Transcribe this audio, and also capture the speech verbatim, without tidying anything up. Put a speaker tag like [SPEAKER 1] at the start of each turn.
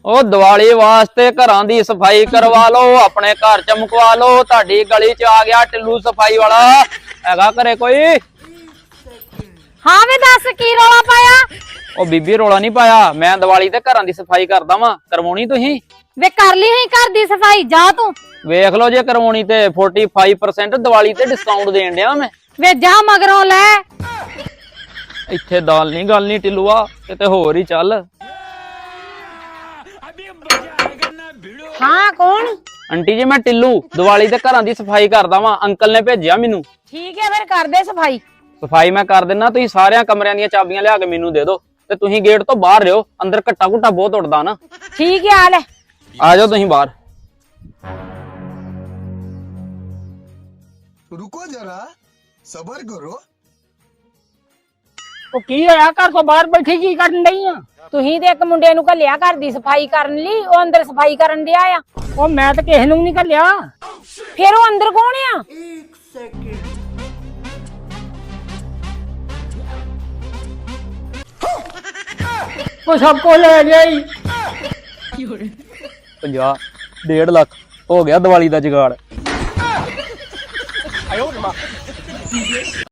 [SPEAKER 1] ਉਹ ਦੀਵਾਲੀ ਵਾਸਤੇ ਘਰਾਂ ਦੀ ਸਫਾਈ ਕਰਵਾ ਲਓ, ਆਪਣੇ ਘਰ ਚਮਕਵਾ ਲਓ। ਤੁਹਾਡੀ ਗਲੀ ਚ ਆ ਗਿਆ ਟਿੱਲੂ ਸਫਾਈ ਵਾਲਾ, ਹੈਗਾ ਘਰੇ ਕੋਈ?
[SPEAKER 2] ਹਾਂ ਵੇ ਦੱਸ ਕੀ ਰੌਲਾ ਪਾਇਆ?
[SPEAKER 1] ਉਹ ਬੀਬੀ ਰੌਲਾ ਨਹੀਂ ਪਾਇਆ, ਮੈਂ ਦੀਵਾਲੀ ਤੇ ਘਰਾਂ ਦੀ ਸਫਾਈ ਕਰਦਾ ਵਾਂ, ਕਰਵਾਉਣੀ ਤੁਸੀਂ?
[SPEAKER 2] ਵੇ ਕਰ ਲਈ ਹੈ ਘਰ ਦੀ ਸਫਾਈ, ਜਾ ਤੂੰ।
[SPEAKER 1] ਵੇਖ ਲਓ ਜੇ ਕਰਵਾਉਣੀ ਤੇ ਪੈਂਤਾਲੀ ਪਰਸੈਂਟ ਦੀਵਾਲੀ ਤੇ ਡਿਸਕਾਊਂਟ ਦੇਣ ਡਿਆ ਮੈਂ।
[SPEAKER 2] ਵੇ ਜਾ ਮਗਰੋਂ ਲੈ।
[SPEAKER 1] ਇੱਥੇ ਦਾਲ ਨਹੀਂ ਗੱਲ ਨਹੀਂ ਟਿੱਲੂਆ, ਕਿਤੇ ਹੋਰ ਹੀ ਚੱਲ।
[SPEAKER 2] ਹਾਂ ਕੌਣ?
[SPEAKER 1] ਆਂਟੀ ਜੀ ਮੈਂ ਟਿੱਲੂ ਦੀਵਾਲੀ ਤੇ ਘਰਾਂ ਦੀ ਸਫਾਈ ਕਰਦਾ ਵਾਂ, ਅੰਕਲ ਨੇ ਭੇਜਿਆ ਮੈਨੂੰ।
[SPEAKER 2] ਠੀਕ ਹੈ ਫਿਰ ਕਰ ਦੇ ਸਫਾਈ।
[SPEAKER 1] ਸਫਾਈ ਮੈਂ ਕਰ ਦਿੰਨਾ, ਤੁਸੀਂ ਸਾਰਿਆਂ ਕਮਰਿਆਂ ਦੀਆਂ ਚਾਬੀਆਂ ਲਿਆ ਕੇ ਮੈਨੂੰ ਦੇ ਦਿਓ ਤੇ ਤੁਸੀਂ ਗੇਟ ਤੋਂ ਬਾਹਰ ਰਹੋ, ਅੰਦਰ ਘੱਟਾ ਘੁੱਟਾ ਬਹੁਤ ਉੱਡਦਾ ਨਾ।
[SPEAKER 2] ਠੀਕ ਹੈ ਆ ਲੈ।
[SPEAKER 1] ਆ ਜਾਓ ਤੁਸੀਂ ਬਾਹਰ।
[SPEAKER 3] रुको जरा सबर करो।
[SPEAKER 4] ਉਹ ਕੀ ਹੋਇਆ? ਘਰ ਤੋਂ ਬਾਹਰ ਬੈਠੀ ਕੀ ਕਰਨ ਡਈ ਆ?
[SPEAKER 2] ਤੁਸੀਂ ਤੇ ਇੱਕ ਮੁੰਡੇ ਨੂੰ ਘੱਲਿਆ ਘਰ ਦੀ ਸਫਾਈ ਕਰਨ ਲਈ, ਉਹ ਅੰਦਰ ਸਫਾਈ ਕਰਨ ਡਿਆ ਆ।
[SPEAKER 4] ਉਹ ਮੈਂ ਤਾਂ ਕਿਸੇ ਨੂੰ ਨਹੀਂ ਘੱਲਿਆ।
[SPEAKER 2] ਫਿਰ ਉਹ ਅੰਦਰ ਕੌਣ ਆ?
[SPEAKER 4] ਉਹ ਸਭ ਕੁਝ ਲੈ ਜਾਈ।
[SPEAKER 1] ਪੰਜਾਹ ਡੇਢ ਲੱਖ ਹੋ ਗਿਆ ਦੀਵਾਲੀ ਦਾ ਜੁਗਾੜ।